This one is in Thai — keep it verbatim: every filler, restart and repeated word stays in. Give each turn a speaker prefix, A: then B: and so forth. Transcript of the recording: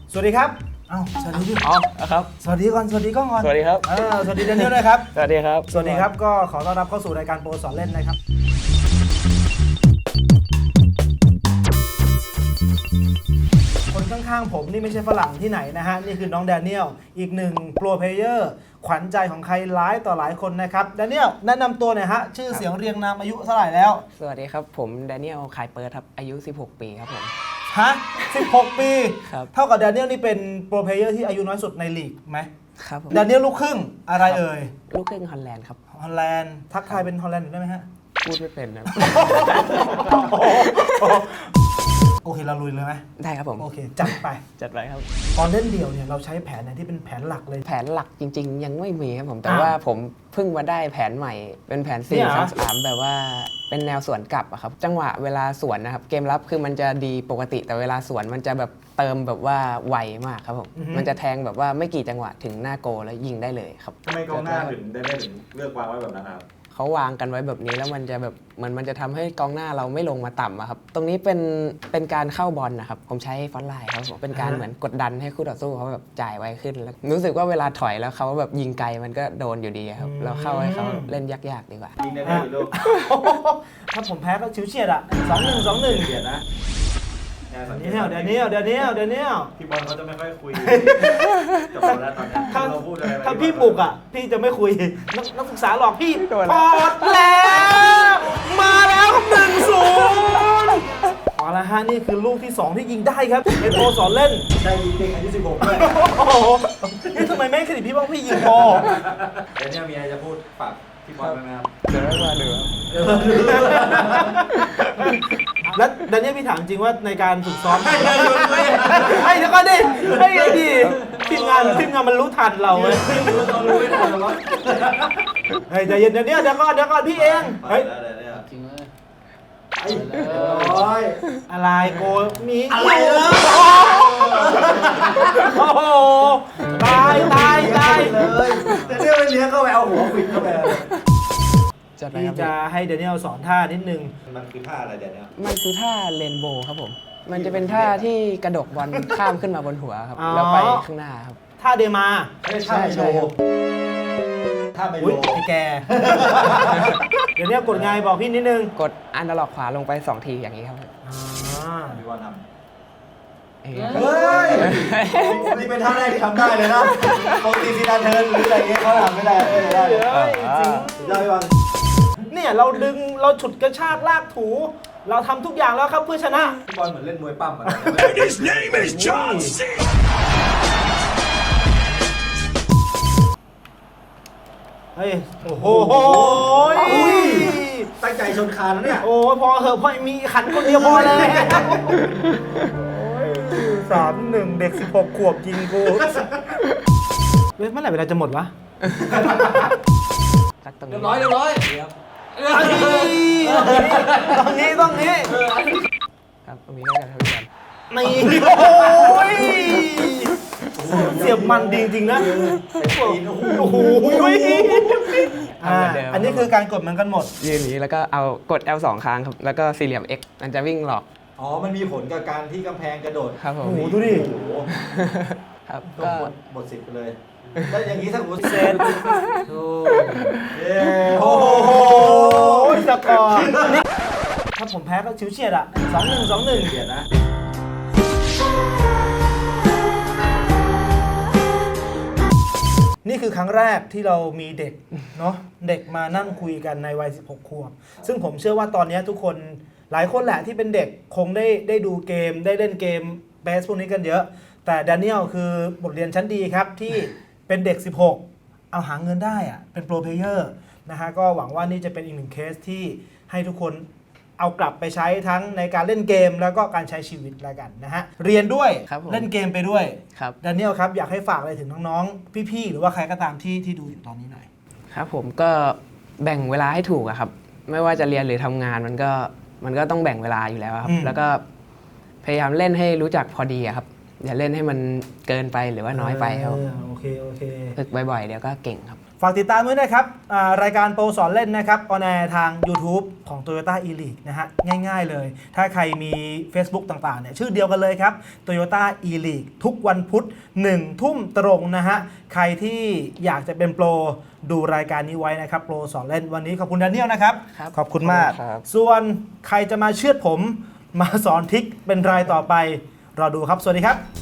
A: สวัสดีครับเอ้าสวัสดีพี่
B: อ๋อครับ
A: สวัสดีก่อนสวัสดีกล้องก่อน
B: สวัสดีครับ
A: เออสวัสดีแดเนียลด้วยครับ
B: สวัสดีครับ
A: สวัสดีครับก็ขอต้อนรับเข้าสู่รายการโปรสอนเล่นนะครับคนข้างๆผมนี่ไม่ใช่ฝรั่งที่ไหนนะฮะนี่คือน้องแดเนียลอีกหนึ่งโปรเพลเยอร์ขวัญใจของใครหลายต่อหลายคนนะครับแดเนียลแนะนำตัวหน่อยฮะชื่อเสียงเรียงนามอายุเท่าไหร่แล้ว
B: สวัสดีครับผมแดเนียลขายเปิดครับอายุสิบหกปีครับผม
A: ฮะสิบหกปี
B: ครับ
A: เท่ากับแดเนียลนี่เป็นโปรเพลเยอร์ที่อายุน้อยสุดในลีกไหม
B: ครับผม
A: แดเนียลลูกครึ่งอะไรเอ่ย
B: ลูกครึ่งฮอลแลนด์ครับ
A: ฮอลแลนด์ทักทายเป็นฮอลแลนด์ได้ไหมฮะ
B: พูดไม่เป็นนะ
A: โอเคเราลุยเลยไหม
B: ได้ครับผม
A: โอเค จัดไป
B: จัดไปครับ
A: ตอนเล่นเดี่ยวเนี่ยเราใช้แผนไหนที่เป็นแผนหลักเลย
B: แผนหลักจริง ๆ ยังไม่มีครับผมแต่
A: อ่า
B: ว่าผมเพิ่งมาได้แผนใหม่เป็นแผน
A: เนี่
B: สี่
A: ยเหรอ
B: สามสามแบบว่าเป็นแนวสวนกลับอะครับจังหวะเวลาสวนนะครับเกมรับคือมันจะดีปกติแต่เวลาสวนมันจะแบบเติมแบบว่าไวมากครับผมมันจะแทงแบบว่าไม่กี่จังหวะถึงหน้าโกลแล้วยิงได้เลยครับ
C: ทำไมกองหน้าถึงได้ไม่ถึงเลือกวางไว้แบบนั้นครับ
B: เขาวางกันไว้แบบนี้แล้วมันจะแบบเหมันมันจะทำให้กองหน้าเราไม่ลงมาต่ำอะครับ ตรงนี้เป็นเป็นการเข้าบอลนะครับ ผมใช้ฟอนต์ไลน์ครับผมเป็นการเหมือนกดดันให้คู่ต่อสู้เขาแบบจ่ายไวขึ้นแล้วรู้สึกว่าเวลาถอยแล้วเขาแบบยิงไกลมันก็โดนอยู่ดีครับ เราเข้าให้เขาเล่นยากๆดีกว่า
C: ยิงได้แค่กี่ลูก
A: ถ้าผมแพ้ก็ชิวเฉียดอ่ะสองหนึ่งสองหนึ่ง
C: เกียดนะ
A: เดเนียลเดเนียลเดเนียลเดเนียล
C: พี่บอลเขาจะไม่ค่อยคุยกับเราแล้วตอนนี้
A: ถ้า
C: เราพูดอะไรไป
A: ถ้าพี่บุกอ่ะ พี่จะไม่คุยนักนักศึกษาหลอกพี่
B: โดน
A: พอดแล้ว มาแล้วครับหนึ่งศูนย์เอาละฮะนี่คือลูกที่สองที่ยิงได้ครับเป็นโปรสอนเล่น
C: ได้ยิงเด็กอายุสิบหกด้วย
A: โอ้โหนี่ทำไมไม่ให้เครดิตพี่บ้างพี่ยิงโปร
C: เดี๋ยวเนี่ยมีอะไรจะพูดฝากพี่บอลไหมครับ
B: เดี๋ยวมาดูครับ
A: แล้วดันเนี่ยพี่ถามจริงว่าในการฝึกซ้อมไอ้เดี๋ยวก่อนดิไอ้ไอ้ดิทีมงานทีมงานมันรู้ทันเราเว้ย
C: เรารู้ไม่ทันหรอ
A: เฮ้ยใจเย็นเดี๋ยวนี้เดี๋ยวก่อนเดี๋ยวก่อนพี่เองเฮ้ย
C: จริงเลยไอ้โอ้ย
A: อะไรโกมี
C: อะไรเนอะ
A: โอ้โหตายตายตาย
C: เลยแต่เนี่ยไปเลี้ยงเข้าไปเอาหัวปิดเข้าไป
B: จัดไป
A: พี่
B: ครับ
A: จะให้เดนิเอลสอนท่านิดนึง
C: มันคือท่าอะไรเดี๋ยวนี้
B: มันคือท่าเรนโบว์ครับผม มันจะเป็นท่าที่กระดกบอลข้ามขึ้นมาบนหัวครับแล้วไปข้างหน้าครับ
A: ท่าเดมา
C: ไม่ใช่ท่าไมโลท่าไมโล
A: อุ้ยไอ้แก เดี๋ยวนี้กดไงบอกพี่นิดนึง
B: กดอันดอร์ล็อกขวาลงไปสองทีอย่างนี้ครับ
A: อ่า
C: พี่บอลทำ
B: เอ้ย
C: เฮ้ย นี่เป็นท่าแรกที่ทำได้เลยนะปกติซีดานเทิร์นหรืออะไรเงี้ยเขาทำไม่ได้ไม่ได้
A: เฮ้ยจริง
C: สุดยอดพี่บอล
A: เนี่ยเราดึงเราฉุดกระชากลากถู เราทำทุกอย่างแล้วครับเพื่อชนะ
C: พี่บอลเหมือนเล่นมวยปั้มอ่ะ
D: His name is John C.
A: เฮ้ยโอ้โห
C: อุ้ยตั้งใจชนคานแล้วเนี่ย
A: โอ้ยพอเหอะพอมีขันคนเดียวพอแล้วสามหนึ่งเด็กสิบหกขวบยิงกูเว้ยเมื่อไหร่เวลาจะหมดวะ
B: สักตรง
C: เรี
B: นี้
C: ยบร้อยเรียบร้อย
A: ต้องนี้ต้องนี้
B: ครับตรงนี้ก็จะทำกัน
A: นี่โอ้ยเสียบมันดีจริงนะโอ้โหอ่าอันนี้คือการกดเหมือนกันหมด
B: ยืนอย่างนี้แล้วก็เอากด แอล สองครั้งครับ แล้วก็สี่เหลี่ยม X มันจะวิ่งหลอก
C: อ๋อ มันมีผลกับการที่กำแพงกระโดด
B: ครับผม
A: โอ้โหดูดิ
C: โอ้โห
B: ครับ
C: ก็
B: ก็
C: หมดหมดสิทธิ์ไปเลยแล้วอย่างนี้ถ้าสมมติ
A: เซน
C: เย้
A: โอ้
C: โอ้
A: โห
C: โห
A: สกอร์นี่ถ้าผมแพ้ก็ชิวเฉียดอ่ะสองหนึ่งสองหนึ่ง
C: เดี๋ยวนะ
A: นี่คือครั้งแรกที่เรามีเด็กเนาะเด็กมานั่งคุยกันในวัยสิบหกขวบซึ่งผมเชื่อว่าตอนนี้ทุกคนหลายคนแหละที่เป็นเด็กคงได้ได้ดูเกมได้เล่นเกมเบสพวกนี้กันเยอะ แต่แดเนียลคือบทเรียนชั้นดีครับที่เป็นเด็กสิบหกเอาหาเงินได้อะเป็นโปรเพลเยอร์นะฮะก็หวังว่านี่จะเป็นอีกหนึ่งเคสที่ให้ทุกคนเอากลับไปใช้ทั้งในการเล่นเกมแล้วก็การใช้ชีวิตแล้วกันนะฮะเรียนด้วย
B: ครับผม
A: เล่นเกมไปด้วย
B: ครับ
A: แดเนียลครับอยากให้ฝากอะไรถึงน้องๆพี่ๆหรือว่าใครก็ตามที่ที่ดูอยู่ตอนนี้หน่อย
B: ครับผมก็แบ่งเวลาให้ถูกอะครับ ไม่ว่าจะเรียนหรือทำงานมันก็มันก็ต้องแบ่งเวลาอยู่แล้วครับ
A: อืม
B: แล้วก็พยายามเล่นให้รู้จักพอดีอะครับ อย่าเล่นให้มันเกินไปหรือว่าน้อยไปครับ
A: เออโอเคโอเค
B: ฝึกบ่อยๆเดี๋ยวก็เก่งครับ
A: ฝากติดตามด้วยนะครับอ่ารายการโปรสอนเล่นนะครับออนแอร์ทาง YouTube ของ Toyota e-league นะฮะง่ายๆเลย ถ้าใครมี Facebook ต่างๆเนี่ยชื่อเดียวกันเลยครับ Toyota e-league ทุกวันพุธหนึ่งทุ่มตรงนะฮะใครที่อยากจะเป็นโปรดูรายการนี้ไว้นะครับโปรสอนเล่นวันนี้ขอบคุณแดเนียลนะครับ
B: ครับ
A: ขอบคุณมาก
B: ครับ
A: ส่วนใครจะมาเชือดผมมาสอนทริคเป็นรายต่อไปรอดูครับสวัสดีครับ